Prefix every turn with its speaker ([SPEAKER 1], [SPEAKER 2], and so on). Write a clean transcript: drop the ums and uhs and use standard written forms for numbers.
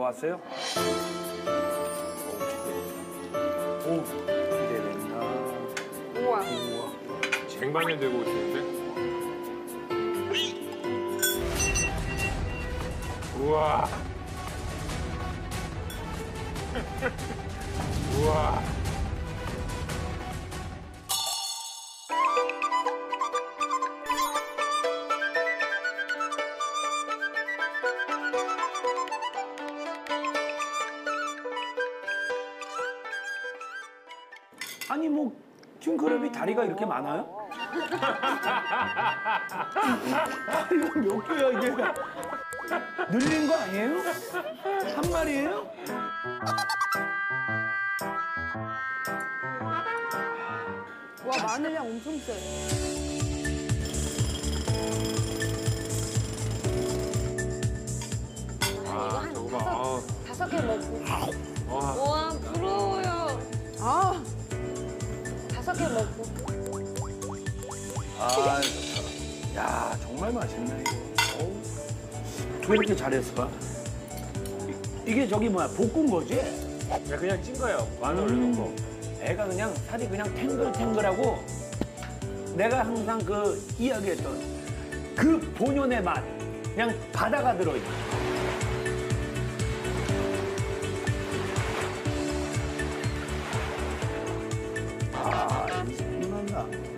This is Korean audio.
[SPEAKER 1] 나왔어요. 오, 기대된다.
[SPEAKER 2] 우와.
[SPEAKER 1] 우와.
[SPEAKER 3] 쟁반에 대고 오시는데? 우와. 우와.
[SPEAKER 1] 아니 뭐 킹크랩이 다리가 이렇게 많아요? 다리가 몇 개야 이게? 늘린 거 아니에요? 한 마리예요?
[SPEAKER 2] 와, 마늘향 엄청 세.
[SPEAKER 3] 아, 저거 봐.
[SPEAKER 2] 다섯 개 먹고.
[SPEAKER 3] 와.
[SPEAKER 2] 와, 부러워요. 아. 다섯 개 먹고.
[SPEAKER 1] 아, 좋다. 야, 정말 맛있네 이거. 어우, 왜 이렇게 잘했을까? 이게 저기 뭐야, 볶은 거지?
[SPEAKER 3] 그냥 찐 거예요. 마늘 올려놓은 거.
[SPEAKER 1] 애가 그냥 살이 그냥 탱글탱글하고 내가 항상 그 이야기했던 그 본연의 맛 그냥 바다가 들어있는. 아, 이 생각나.